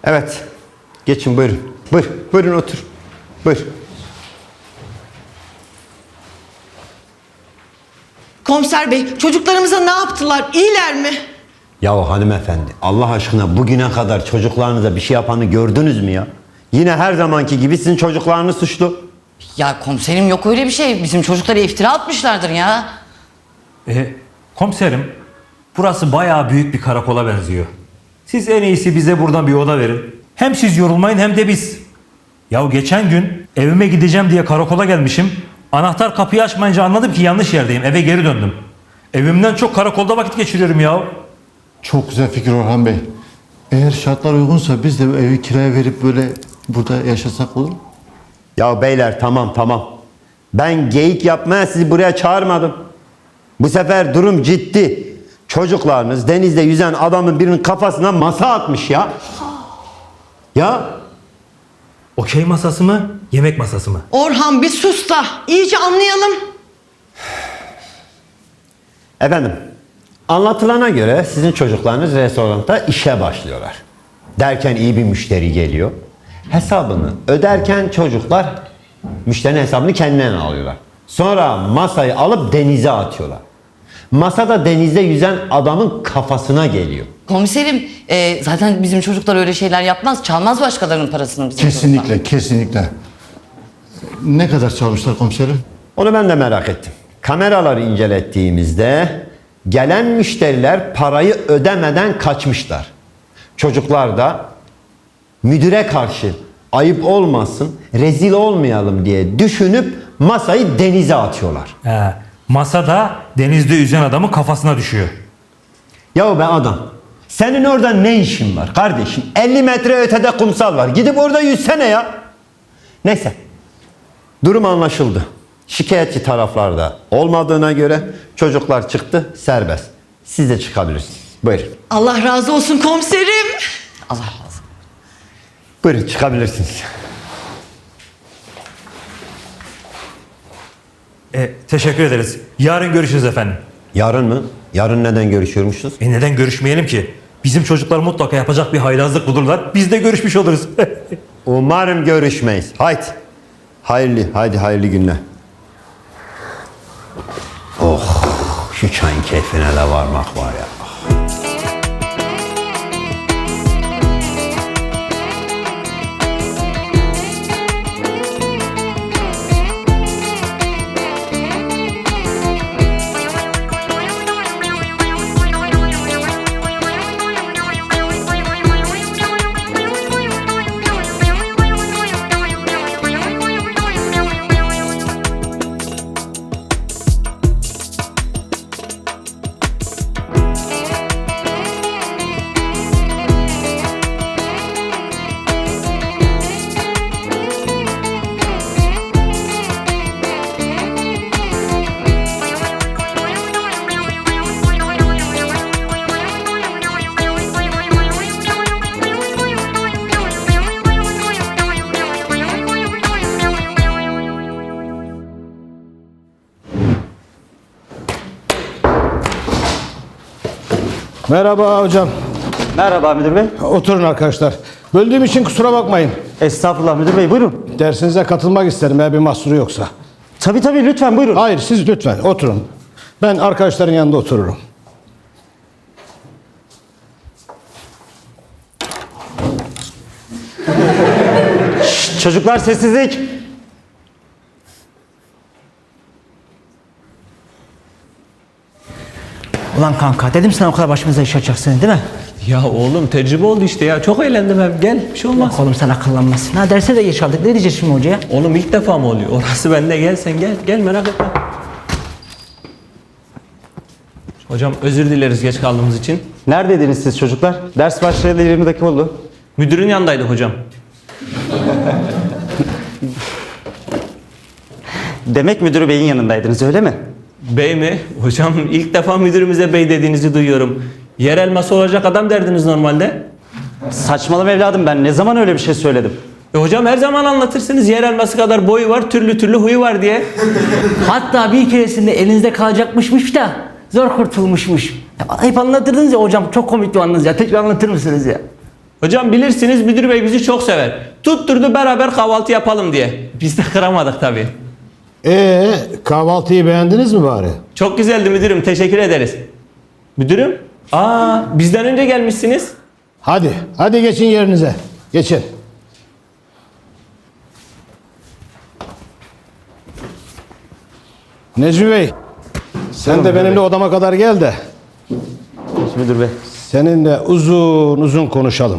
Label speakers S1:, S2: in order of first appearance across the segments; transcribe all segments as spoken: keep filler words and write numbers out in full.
S1: Evet. Geçin buyurun. Buyur. Buyurun otur. Buyur.
S2: Komiser bey, çocuklarımıza ne yaptılar? İyiler mi?
S1: Yahu hanımefendi, Allah aşkına bugüne kadar çocuklarınıza bir şey yapanı gördünüz mü ya? Yine her zamanki gibi sizin çocuklarınız suçlu.
S3: Ya komiserim yok öyle bir şey. Bizim çocuklara iftira atmışlardır ya.
S4: E, komiserim, burası bayağı büyük bir karakola benziyor. Siz en iyisi bize buradan bir oda verin. Hem siz yorulmayın hem de biz. Ya geçen gün evime gideceğim diye karakola gelmişim. Anahtar kapıyı açmayınca anladım ki yanlış yerdeyim. Eve geri döndüm. Evimden çok karakolda vakit geçiriyorum ya.
S5: Çok güzel fikir Orhan Bey. Eğer şartlar uygunsa biz de bu evi kiraya verip böyle burada yaşasak olur mu?
S1: Ya beyler tamam tamam. Ben geyik yapmaya sizi buraya çağırmadım. Bu sefer durum ciddi. Çocuklarınız denizde yüzen adamın birinin kafasına masa atmış ya. Ya
S4: Okey masası mı, yemek masası mı?
S2: Orhan bir sus da iyice anlayalım.
S1: efendim, anlatılana göre sizin çocuklarınız restoranda işe başlıyorlar. Derken iyi bir müşteri geliyor. Hesabını öderken çocuklar müşterinin hesabını kendilerine alıyorlar. Sonra masayı alıp denize atıyorlar. Masada denizde yüzen adamın kafasına geliyor.
S3: Komiserim e, zaten bizim çocuklar öyle şeyler yapmaz. Çalmaz başkalarının parasını bizim çocuklar.
S5: Kesinlikle, kesinlikle. Ne kadar çalmışlar komiserim?
S1: Onu ben de merak ettim. Kameraları incelettiğimizde gelen müşteriler parayı ödemeden kaçmışlar. Çocuklar da müdüre karşı ayıp olmasın, rezil olmayalım diye düşünüp masayı denize atıyorlar.
S4: He, masada denizde yüzen adamın kafasına düşüyor.
S1: Yahu be adam, senin orada ne işin var kardeşim? elli metre ötede kumsal var. Gidip orada yüzsene ya. Neyse, durum anlaşıldı. Şikayetçi taraflarda olmadığına göre çocuklar çıktı, serbest. Siz de çıkabilirsiniz. Buyurun.
S2: Allah razı olsun komiserim.
S3: Allah razı olsun.
S1: Buyurun çıkabilirsiniz.
S4: E, teşekkür ederiz. Yarın görüşürüz efendim.
S1: Yarın mı? Yarın neden görüşüyormuşuz?
S4: E neden görüşmeyelim ki? Bizim çocuklar mutlaka yapacak bir haylazlık bulurlar. Biz de görüşmüş oluruz.
S1: Umarım görüşmeyiz. Haydi. Hayırlı, haydi hayırlı günler. Oh, şu çayın keyfine de varmak var ya.
S6: Merhaba hocam.
S7: Merhaba müdür bey.
S6: Oturun arkadaşlar. Böldüğüm için kusura bakmayın.
S7: Estağfurullah müdür bey, buyurun.
S6: Dersinize katılmak isterim eğer bir mahsuru yoksa.
S7: Tabii tabii, lütfen buyurun.
S6: Hayır, siz lütfen oturun. Ben arkadaşların yanında otururum.
S7: Şşt, çocuklar sessizlik.
S8: Ulan kanka dedim sana o kadar başımıza iş açacaksın değil mi?
S9: Ya oğlum tecrübe oldu işte ya. Çok eğlendim hem. Gel, bir şey olmaz.
S8: Bak oğlum sen akıllanmazsın. Ha derse de geç aldık. Ne diyeceğiz şimdi hocaya?
S9: Oğlum ilk defa mı oluyor? Orası bende. Gel sen gel. Gel, merak etme. Hocam özür dileriz geç kaldığımız için.
S7: Neredeydiniz siz çocuklar? Ders başlayalı yirmi dakika oldu.
S9: Müdürün yanındaydık hocam.
S7: Demek müdürü beyin yanındaydınız, öyle mi?
S9: Bey mi? Hocam ilk defa müdürümüze bey dediğinizi duyuyorum. Yer elması olacak adam derdiniz normalde.
S7: Saçmalama evladım, ben ne zaman öyle bir şey söyledim?
S9: E hocam her zaman anlatırsınız yer elması kadar boyu var, türlü türlü huyu var diye.
S8: Hatta bir keresinde elinizde kalacakmışmış da zor kurtulmuşmuş. Ya, hep anlatırdınız ya hocam, çok komikti o anınız ya. Tekrar anlatır mısınız ya?
S9: Hocam bilirsiniz müdür bey bizi çok sever. Tutturdu beraber kahvaltı yapalım diye. Biz de kıramadık tabii.
S6: Ee, kahvaltıyı beğendiniz mi bari?
S9: Çok güzeldi müdürüm, teşekkür ederiz. Müdürüm? Aa, bizden önce gelmişsiniz.
S6: Hadi, hadi geçin yerinize. Geçin. Necmi Bey, sen de benimle odama kadar gel de
S7: Müdür bey.
S6: seninle uzun uzun konuşalım.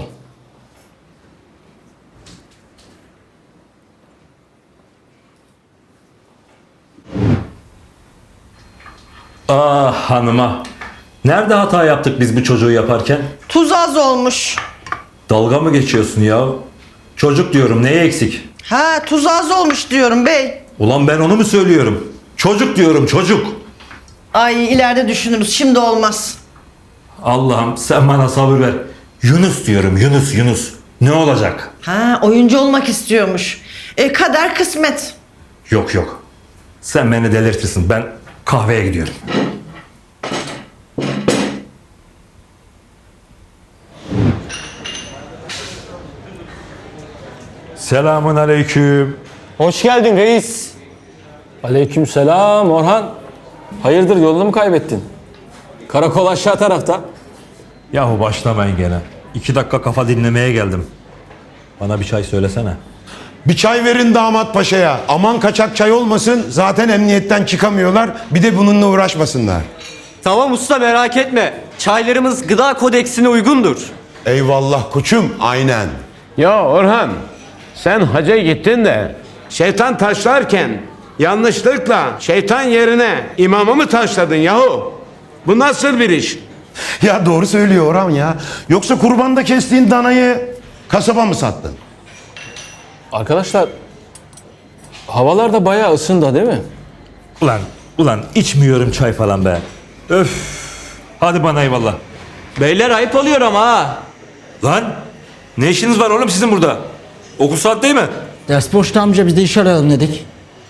S4: Ah hanıma. Nerede hata yaptık biz bu çocuğu yaparken?
S2: Tuz az olmuş.
S4: Dalga mı geçiyorsun ya? Çocuk diyorum, neye eksik?
S2: Ha, tuz az olmuş diyorum bey.
S4: Ulan ben onu mu söylüyorum? Çocuk diyorum, çocuk.
S2: Ay ileride düşünürüz, şimdi olmaz.
S4: Allah'ım sen bana sabır ver. Yunus diyorum, Yunus, Yunus. Ne olacak?
S2: Ha, oyuncu olmak istiyormuş. E kader kısmet.
S4: Yok yok. Sen beni delirtirsin. Ben kahveye gidiyorum. Selamun aleyküm.
S10: Hoş geldin reis. Aleykümselam Orhan. Hayırdır yolunu mu kaybettin? Karakol aşağı tarafta.
S4: Yahu başlamayın gene. İki dakika kafa dinlemeye geldim. Bana bir çay söylesene.
S11: Bir çay verin damat paşaya. Aman kaçak çay olmasın. Zaten emniyetten çıkamıyorlar. Bir de bununla uğraşmasınlar.
S10: Tamam usta merak etme. Çaylarımız gıda kodeksine uygundur.
S11: Eyvallah koçum. Aynen.
S12: Ya Orhan, sen hacca gittin de şeytan taşlarken yanlışlıkla şeytan yerine imamı mı taşladın yahu? Bu nasıl bir iş?
S11: Ya doğru söylüyor Orhan ya. Yoksa kurbanda kestiğin danayı kasaba mı sattın?
S10: Arkadaşlar havalar da bayağı ısındı değil mi?
S4: Ulan, ulan içmiyorum çay falan be. Öf. Hadi bana eyvallah.
S9: Beyler ayıp oluyor ama ha.
S4: Lan ne işiniz var oğlum sizin burada? Okul saat değil mi?
S8: Ders boşta amca, biz de iş arayalım dedik.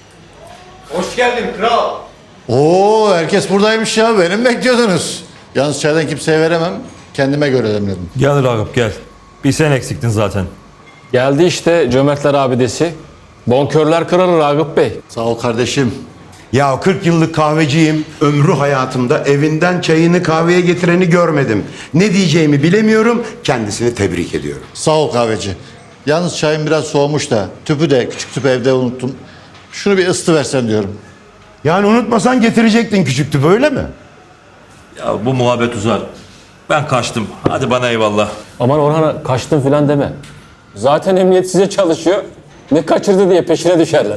S5: Oo, herkes buradaymış ya. Beni mi bekliyordunuz? Yalnız çaydan kimseye veremem. Kendime göre demledim.
S4: Gel Ragıp gel. Bir sen eksiktin zaten.
S10: Geldi işte cömertler abidesi. Bonkörler kralı Ragıp Bey.
S5: Sağ ol kardeşim.
S11: Ya kırk yıllık kahveciyim. Ömrü hayatımda evinden çayını kahveye getireni görmedim. Ne diyeceğimi bilemiyorum. Kendisini tebrik ediyorum.
S5: Sağ ol kahveci. Yalnız çayım biraz soğumuş da tüpü de küçük tüpü evde unuttum. Şunu bir ısıtı versen diyorum.
S11: Yani unutmasan getirecektin küçük tüpü, öyle mi?
S4: Ya bu muhabbet uzar. Ben kaçtım. Hadi bana eyvallah.
S10: Aman Orhan'a kaçtın filan deme. Zaten emniyet size çalışıyor. Ne kaçırdı diye peşine düşerler.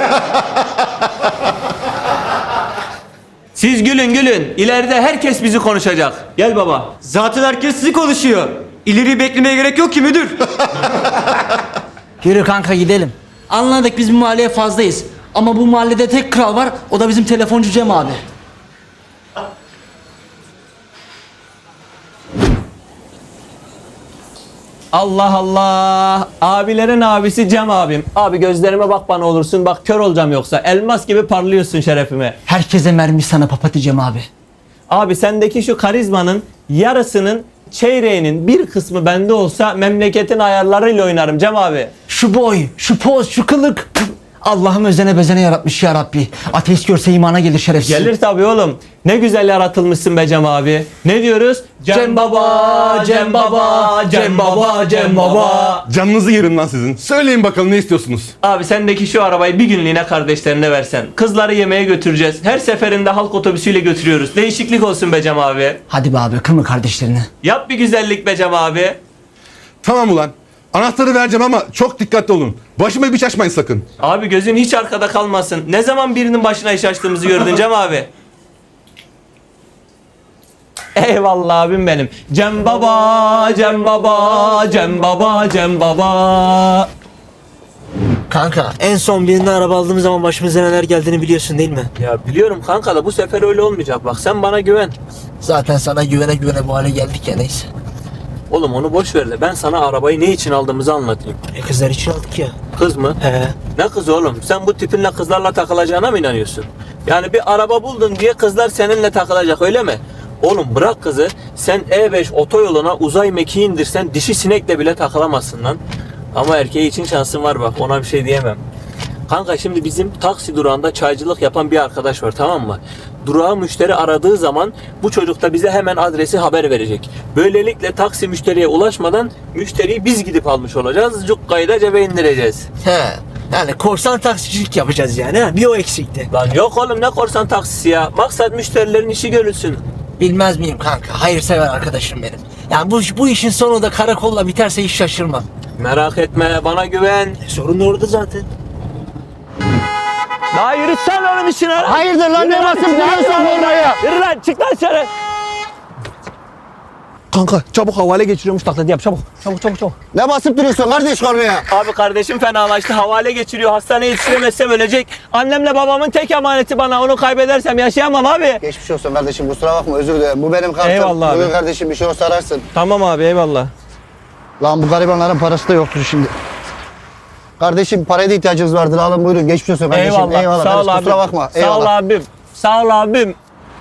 S9: Siz gülün gülün. İleride herkes bizi konuşacak. Gel baba.
S10: Zaten herkes sizi konuşuyor. İleri beklemeye gerek yok ki müdür.
S8: Yürü kanka gidelim. Anladık, biz bu mahalleye fazlayız. Ama bu mahallede tek kral var, o da bizim telefoncu Cem abi.
S9: Allah Allah. Abilerin abisi Cem abim. Abi gözlerime bak bana olursun. Bak kör olacağım yoksa. Elmas gibi parlıyorsun şerefime.
S8: Herkese mermi sana papatya Cem abi.
S9: Abi sendeki şu karizmanın yarısının çeyreğinin bir kısmı bende olsa memleketin ayarlarıyla oynarım Cem abi.
S8: Şu boy, şu poz, şu kılık. Püf! Allah'ım özene bezene yaratmış ya Rabbi. Ateist görse imana gelir şerefsiz.
S9: Gelir tabii oğlum. Ne güzel yaratılmışsın be Cem abi. Ne diyoruz? Cem baba, Cem baba, Cem baba, Cem baba.
S12: Canınızı yerim lan sizin. Söyleyin bakalım ne istiyorsunuz?
S9: Abi sendeki şu arabayı bir günlüğüne kardeşlerine versen. Kızları yemeğe götüreceğiz. Her seferinde halk otobüsüyle götürüyoruz. Değişiklik olsun be Cem abi.
S8: Hadi be abi, kırma kardeşlerini.
S9: Yap bir güzellik be Cem abi.
S12: Tamam ulan. Anahtarı vereceğim ama çok dikkatli olun. Başıma bir iş açmayın sakın.
S9: Abi gözün hiç arkada kalmasın. Ne zaman birinin başına iş açtığımızı gördün Cem abi? Eyvallah abim benim. Cem baba, Cem baba, Cem baba, Cem baba.
S8: Kanka en son birine araba aldığımız zaman başımıza neler geldiğini biliyorsun değil mi?
S9: Ya biliyorum kanka da bu sefer öyle olmayacak. Bak sen bana güven.
S8: Zaten sana güvene güvene bu hale geldik ya, neyse.
S9: Oğlum onu boş ver de ben sana arabayı ne için aldığımızı anlatayım.
S8: E kızlar için aldık ya.
S9: Kız mı?
S8: He.
S9: Ne kız oğlum? Sen bu tipinle kızlarla takılacağına mı inanıyorsun? Yani bir araba buldun diye kızlar seninle takılacak öyle mi? Oğlum bırak kızı. Sen E beş otoyoluna uzay mekiği indirsen dişi sinekle bile takılamazsın lan. Ama erkeği için şansın var bak, ona bir şey diyemem. Kanka şimdi bizim taksi durağında çaycılık yapan bir arkadaş var, tamam mı? Durağı müşteri aradığı zaman bu çocuk da bize hemen adresi haber verecek. Böylelikle taksi müşteriye ulaşmadan müşteriyi biz gidip almış olacağız. Cukkayı da cebe indireceğiz.
S8: He. Yani korsan taksicilik yapacağız yani ha. Bir o eksikti.
S9: Lan yok oğlum, ne korsan taksisi ya. Maksat müşterilerin işi görülsün.
S8: Bilmez miyim kanka? Hayırsever arkadaşım benim. Yani bu, bu işin sonu da karakolla biterse hiç şaşırmam.
S9: Merak etme, bana güven.
S8: Sorun da orada zaten.
S9: Daha yürütsen oğlum işini.
S8: Hayırdır lan, ne basıp duruyorsun oraya?
S9: Yürü lan, çık lan dışarı.
S8: Kanka çabuk havale geçiriyormuş, taklidi yap çabuk. Çabuk çabuk çabuk. Ne basıp duruyorsun kardeş oraya?
S9: Abi kardeşim fenalaştı, havale geçiriyor. Hastaneye yetiştiremezsem ölecek. Annemle babamın tek emaneti bana. Onu kaybedersem yaşayamam abi.
S13: Geçmiş olsun kardeşim, kusura bakma, özür dilerim. Bu benim kartım.
S9: Eyvallah abi.
S13: Bugün kardeşim bir şey olsa ararsın.
S9: Tamam abi, eyvallah.
S13: Lan bu garibanların parası da yoktur şimdi. Kardeşim paraya da ihtiyacınız vardır, alın buyurun. Geçmiş olsun kardeşim.
S9: Eyvallah. Sağ ol
S13: kardeşim,
S9: abim.
S13: kusura bakma.
S9: Sağ ol abim. Sağ ol abim.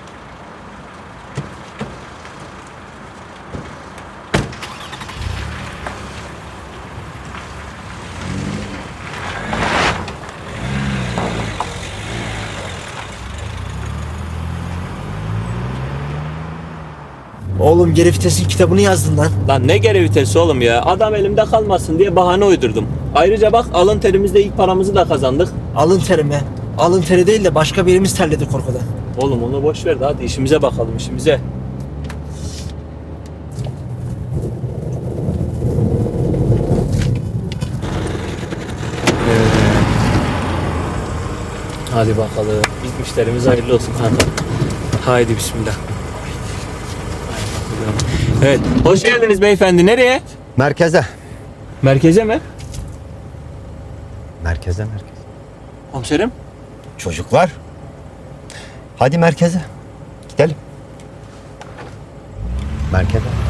S8: Oğlum geri vitesin kitabını yazdın lan.
S9: Lan ne geri vitesi oğlum ya. Adam elimde kalmasın diye bahane uydurdum. Ayrıca bak, alın terimizde ilk paramızı da kazandık.
S8: Alın teri mi? Alın teri değil de başka birimiz terledi korkudan.
S9: Oğlum onu boş ver de hadi işimize bakalım, işimize. Hadi bakalım. İlk müşterimiz hayırlı olsun kanka. Haydi bismillah. Evet. Hoş geldiniz beyefendi. Nereye?
S1: Merkeze.
S9: Merkeze mi?
S1: Merkeze merkeze.
S9: Komiserim.
S1: Çocuklar. Hadi merkeze. Gidelim. Merkeze.